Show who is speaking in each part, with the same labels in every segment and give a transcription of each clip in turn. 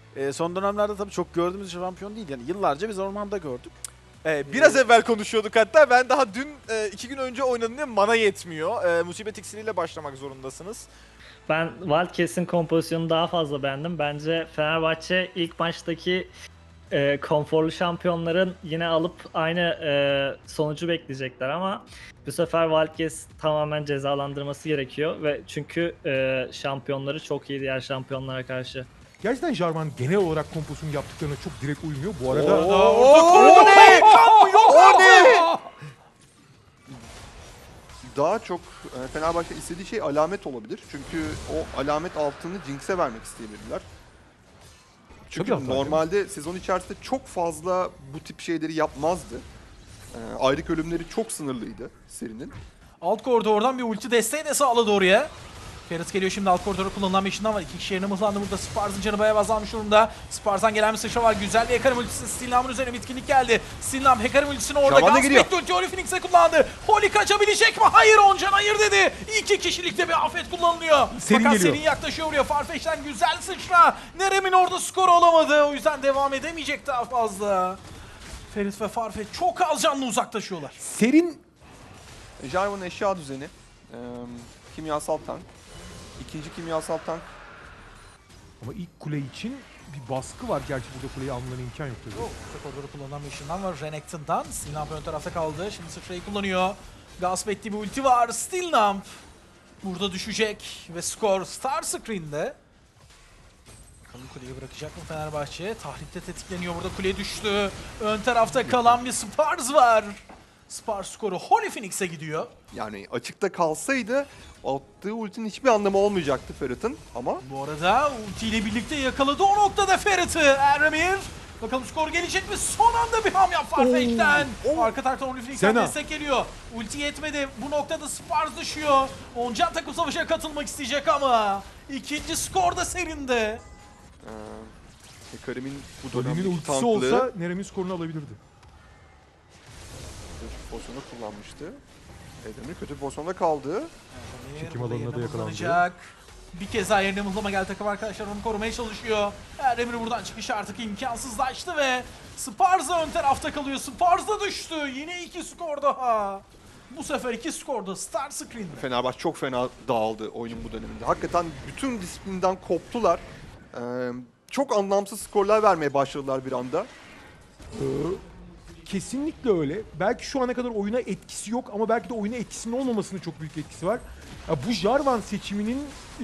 Speaker 1: Son dönemlerde tabii çok gördüğümüz şampiyon değil. Yani yıllarca biz ormanda gördük.
Speaker 2: Biraz evvel konuşuyorduk hatta. Ben daha dün 2 gün önce oynadım diye mana yetmiyor. Musibet iksiriyle başlamak zorundasınız.
Speaker 3: Ben Wildcats'in kompozisyonunu daha fazla beğendim. Bence Fenerbahçe ilk maçtaki konforlu şampiyonların yine alıp aynı sonucu bekleyecekler ama bu sefer Wildcats tamamen cezalandırması gerekiyor ve çünkü şampiyonları çok iyi diğer şampiyonlara karşı.
Speaker 4: Gerçekten Jarvan genel olarak kompozisyonu yaptıklarına çok direkt uymuyor. Bu arada...
Speaker 2: O ne? O ne?
Speaker 5: Daha çok Fenerbahçe istediği şey alamet olabilir. Çünkü o alamet altını Jinx'e vermek isteyebilirler. Çünkü
Speaker 4: Tabii
Speaker 5: normalde sezon içerisinde çok fazla bu tip şeyleri yapmazdı. Ayrık ölümleri çok sınırlıydı serinin.
Speaker 6: Alt koridordan bir ulti desteği de sağladı oraya. Ferit geliyor şimdi alt koridora kullanılan bir işinden var. 2 kişi yerine mızlandı burada. Spars'ın canı bayağı azalmış durumda. Spars'tan gelen bir sıçra var. Güzel bir Hecarim ultisi. Stilnam'ın üzerine bitkinlik geldi. Stilnam Hecarim ultisini orada Gaspet ulti Holy Phoenix'e kullandı. Holy kaçabilecek mi? Hayır Oncan hayır dedi. 2 kişilikte bir afet kullanılıyor.
Speaker 4: Serin
Speaker 6: Fakat
Speaker 4: geliyor.
Speaker 6: Serin yaklaşıyor buraya. Farfetch'ten güzel sıçra. Nerem'in orada skoru olamadı. O yüzden devam edemeyecek daha fazla. Ferit ve Farfetch çok az canlı uzaklaşıyorlar.
Speaker 4: Serin
Speaker 5: Jarvan'ın eşya düzeni, kimyasal tank, ikinci kimyasal tank.
Speaker 4: ama ilk kule için bir baskı var. Gerçi burada kuleyi almalarına imkan yok tabii.
Speaker 6: Koridoru kullanılan bir ışından var Renekton'dan. Stilnamp ön tarafta kaldı. Şimdi sıçrayı kullanıyor. Gasp ettiği bir ulti var. Stilnamp burada düşecek ve skor Star Screen'de. Bakalım kuleyi bırakacak mı Fenerbahçe? Tahripte tetikleniyor. Burada kule düştü. Ön tarafta kalan bir Spars var. Spars skoru Holy Phoenix'e gidiyor.
Speaker 5: Yani açıkta kalsaydı attığı ultinin hiçbir anlamı olmayacaktı Ferit'in ama
Speaker 6: Bu arada ultiyle birlikte yakaladı o noktada Ferit'i Eremir. Bakalım skor gelecek mi? Son anda bir ham yap Farfetch'ten. Arka taraftan Holy Phoenix'ten
Speaker 4: Sena.
Speaker 6: destek geliyor. Ulti yetmedi. Bu noktada Spars düşüyor. Oncan takım savaşa katılmak isteyecek ama ikinci skor da serinde.
Speaker 5: Hecarim'in bu
Speaker 4: Dönemin
Speaker 5: dönemdeki
Speaker 4: ultisi
Speaker 5: tanklığı
Speaker 4: olsa Nerem'in skorunu alabilirdi.
Speaker 5: kötü bir pozisyonda kullanmıştı. Edemir kötü bir pozisyonda kaldı.
Speaker 4: Çekim
Speaker 6: Burada
Speaker 4: alanına
Speaker 6: yerine
Speaker 4: da yakalandı.
Speaker 6: mızlanacak. Bir kez daha yerine mızlama geldi takım arkadaşlar onu korumaya çalışıyor. Erdemir buradan çıkış artık imkansızlaştı ve Sparza ön tarafta kalıyor. Sparza düştü. Yine 2 skor daha. Bu sefer 2 skorda Star Screen'de.
Speaker 5: Fenerbahçe çok fena dağıldı oyunun bu döneminde. Hakikaten bütün disiplinden koptular. Çok anlamsız skorlar vermeye başladılar bir anda.
Speaker 4: Kesinlikle öyle. Belki şu ana kadar oyuna etkisi yok ama belki de oyuna etkisinin olmamasının çok büyük etkisi var. Ya bu Jarvan seçiminin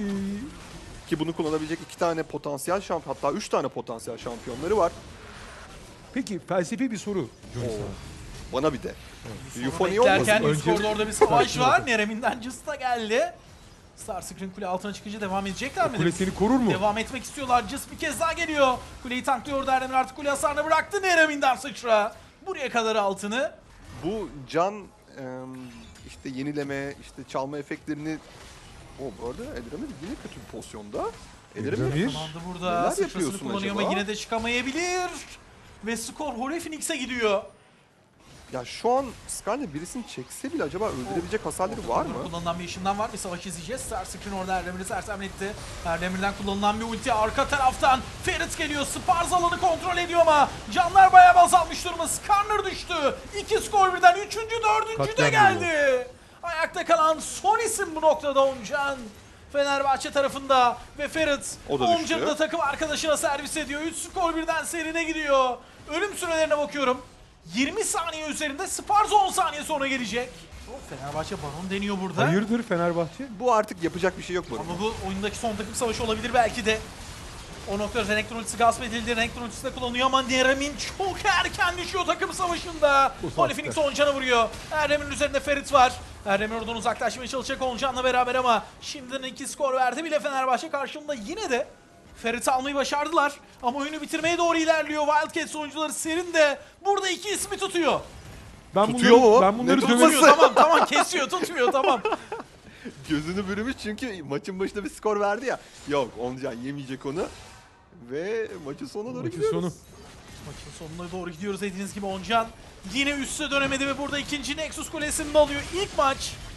Speaker 5: Ki bunu kullanabilecek 2 tane potansiyel şampiyon, hatta 3 tane potansiyel şampiyonları var.
Speaker 4: peki felsefi bir soru Johnny sana.
Speaker 5: Bana bir de. Euphony
Speaker 6: Beklerken
Speaker 5: olmasın.
Speaker 6: üst koridorda bir savaş
Speaker 4: Sakin
Speaker 6: var.
Speaker 4: ol.
Speaker 6: Nerem'inden Just da geldi. Star Screen kule altına çıkınca devam edecekler mi?
Speaker 4: Kule seni korur mu?
Speaker 6: Devam etmek istiyorlar. Just bir kez daha geliyor. Kuleyi tanklıyor Erdemir artık kule hasarını bıraktı. Nerem'inden sıçra. Buraya kadar altını.
Speaker 5: Bu can işte yenileme, işte çalma efektlerini... Bu arada Edemir yine kötü bir pozisyonda.
Speaker 4: Edemir.
Speaker 6: Tamamdı burada.
Speaker 5: Neler
Speaker 6: Sıçrasını
Speaker 5: yapıyorsun
Speaker 6: kullanıyor
Speaker 5: acaba?
Speaker 6: ama yine de çıkamayabilir. Ve skor Holy Phoenix'e gidiyor.
Speaker 5: Ya şu an Skarner birisini çekse bile acaba öldürebilecek hasarları var mı?
Speaker 6: Kullanılan bir ışından var. Bir savaş izleyeceğiz. Star Screen orada Erdemir'i sersemletti. Erdemir'den kullanılan bir ulti. Arka taraftan Ferit geliyor. Spars alanı kontrol ediyor ama canlar bayağı azalmış durumda. Skarner düştü. 2 skor birden. 3. 4. de
Speaker 4: Katliam
Speaker 6: geldi. Ayakta kalan son isim bu noktada Oncan. Fenerbahçe tarafında ve Ferit
Speaker 5: O da düştü.
Speaker 6: Oncan'ı da takım arkadaşına servis ediyor. 3 skor birden serine gidiyor. Ölüm sürelerine bakıyorum. 20 saniye üzerinde Spars 10 saniye sonra gelecek. Fenerbahçe Baron deniyor burada.
Speaker 4: Hayırdır Fenerbahçe?
Speaker 5: Bu artık yapacak bir şey yok bu.
Speaker 6: Ama bu oyundaki son takım savaşı olabilir belki de. O noktada Renekton ultisi gasp edildi. Renekton ultisi de kullanıyor ama Nerem'in çok erken düşüyor takım savaşında. Holy Phoenix Oncan'a vuruyor. Erdemir'in üzerinde Ferit var. Erdemir oradan uzaklaşmaya çalışacak Oncan'la beraber ama şimdiden 2 skor verdi bile Fenerbahçe karşılığında yine de Ferit'i almayı başardılar. Ama oyunu bitirmeye doğru ilerliyor. Wildcats oyuncuları Serin de burada 2 ismi tutuyor.
Speaker 4: Ben
Speaker 5: Tutuyor mu?
Speaker 4: Ben bunları
Speaker 5: Ne
Speaker 4: döverim.
Speaker 6: Tutuyor tamam kesiyor tutmuyor tamam.
Speaker 5: Gözünü bürümüş çünkü maçın başında bir skor verdi ya. Yok Oncan yemeyecek onu. Ve maçın sonuna doğru
Speaker 4: Maçın
Speaker 5: gidiyoruz.
Speaker 4: sonu.
Speaker 6: Maçın sonuna doğru gidiyoruz dediğiniz gibi Oncan yine üste dönemedi ve burada ikinci Nexus Kulesi'ni de alıyor. İlk maç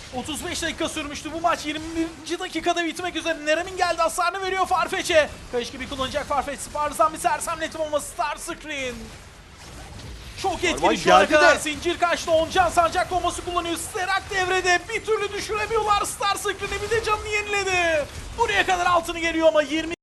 Speaker 6: 35 dakika sürmüştü bu maç. 21. dakikada bitmek üzere. Nerem'in geldi, hasarını veriyor Farfetch'e. Kayış gibi kullanacak Farfetch. Spars'dan bir sersemletim ama Star Screen. Çok etkili şu ana
Speaker 5: geldi
Speaker 6: kadar.
Speaker 5: de.
Speaker 6: Zincir kaçtı. Oncan sancak bombası kullanıyor. Sterak devrede. Bir türlü düşüremiyorlar Star Screen'i. Bir de canını yeniledi. Buraya kadar altını geliyor ama 20